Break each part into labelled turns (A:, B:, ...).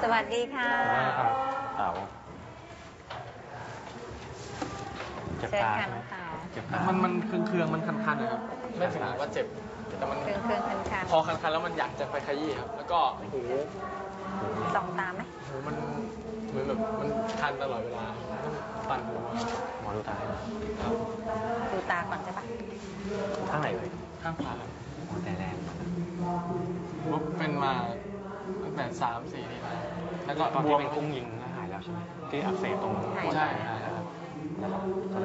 A: สวัสดีค่ะ
B: ครับเต๋าเจ็บ
A: เชิญ
B: ตา
A: ค่ะ
B: ใช่ไหม
A: น้องเต๋า
B: เจ็บตา
C: มันเคืองๆมันคันๆนะครับไม่ถึงกับว่าเจ็บแต่มัน
A: เครื่องคัน
C: พอคันๆแล้วมันอยากจะไปขยี้ครับแล้วก็หู
A: ๆส่องตาไหม
C: หูมันเหมือนแบบมันคันตลอดเวลาต้องปั่นหูครับ
B: หมอดูตาให้หน่อย
C: ครับ
A: ดูตาก่อนใช่ปะ
B: ข้างไหนเลย
C: ข้างขวาครับ
B: หมอแต่แรง
C: ปุ๊บเป็นมาตั้งแต่3-4 ปีแล้วแล้วก็
B: ตอน
C: บ
B: ที่
C: วม
B: เป็นกุ้งยิงก็หายแล้วใช่ไหมที่อักเสบตรงหัวใจ
C: ใช่
B: หายแล้วครับนะครับ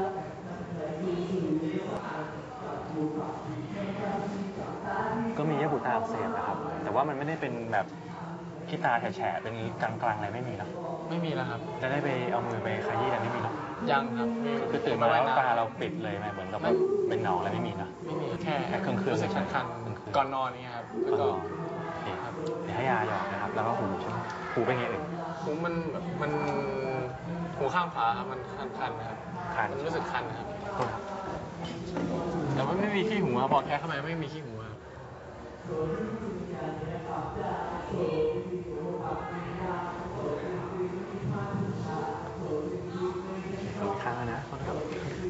B: ก็มีเยื่อบุตาอักเสบนะครับ แต่ว่ามันไม่ได้เป็นแบบที่ตาแฉะๆเป็นกลางๆอะไรไม่มีเนาะ
C: ไม่มีแล้วครับ
B: จะได้ไปเอามือไปขยี้อะไรไม่มีเนาะ
C: ยังครับมี
B: คือตื่นมาแล้วตาเราปิดเลยไหมเหมือนกับแบบเป็นหนองอะไรไม่มีเนาะ
C: ไม่มีแค่
B: แค่เครื่องๆ
C: รู้สึกคัน
B: เครื่องๆ
C: ๆก่อนนอนนี่ครับแล้วก็
B: โอเคครับเดี๋ยวให้ยาหยอดนะครับ แล้วก็หูใช่ไหมหูเป็นไงเอ่ย
C: หูมันแบบมันหูข้างขวาครับมันคันๆนะครับ
B: คัน
C: มันรู้สึกคันนะครับ
B: โทษครับ
C: แต่ว่าไม่มีขี้หูครับพอแค่เข้ามาไม่มีขี้หูครับ
B: อีกครั้งนะโทษครับ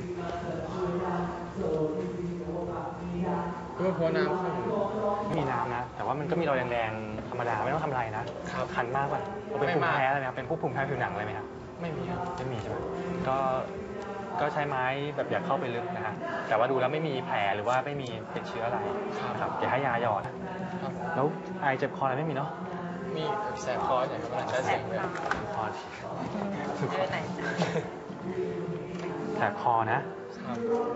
C: ก็เพราะน้ำเข้าหู
B: ไม่มีน้ำนะ แต่ว่ามันก็มีรอยแดงๆธรรมดาไม่ต้องทำอะไรนะครับ คันมากป่ะเราเป็นภูมิแพ้อะไรไหมครับเป็นพวกภูมิแพ้ผิวหนังอะไรไหมครับ
C: ไม่มีครับ
B: ไม่มีใช่ไหมก็ใช้ไม้แบบอย่าเข้าไปลึกนะฮะแต่ว่าดูแล้วไม่มีแผลหรือว่าไม่มีติดเชื้ออะไรนะครับเดี๋ยวให้ยาหยอดนะครับ แล้วไอเจ็บคออะไรไม่มีเนาะ
C: มีแสบคออย่างครับเวลาใช้เสียงเลย
B: คอ
A: เออไหน
B: แสบคอนะ
C: ครับ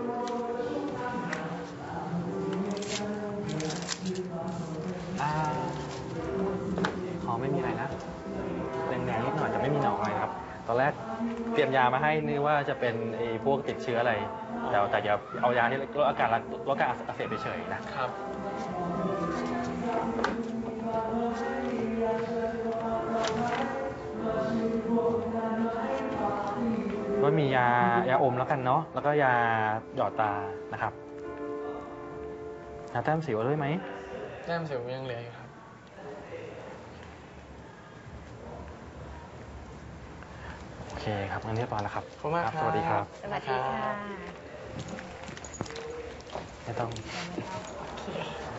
B: คอไม่มีอะไรนะแดงๆนิดหน่อยแต่ไม่มีหนองอะไรนะครับ ตอนแรกเตรียมยามาให้นึกว่าจะเป็นไอ้พวกติดเชื้ออะไร แต่อย่าเอายาที่ลดอาการอักเสบเฉยๆนะครับ ก็มียาอมแล้วกันเนาะแล้วก็ยาหยอดตานะครับยาแต้มสิวเอาด้วยไหม
C: แต้มสิวยังเหลืออยู่ครับ
B: โอเคครับงั้นเรียบร้อยแล้วครับ
C: ขอบคุณมากครับ
B: สวัสดีครับ
A: สวัสดีค่ะ
B: ไม่ต้อง
A: โอเค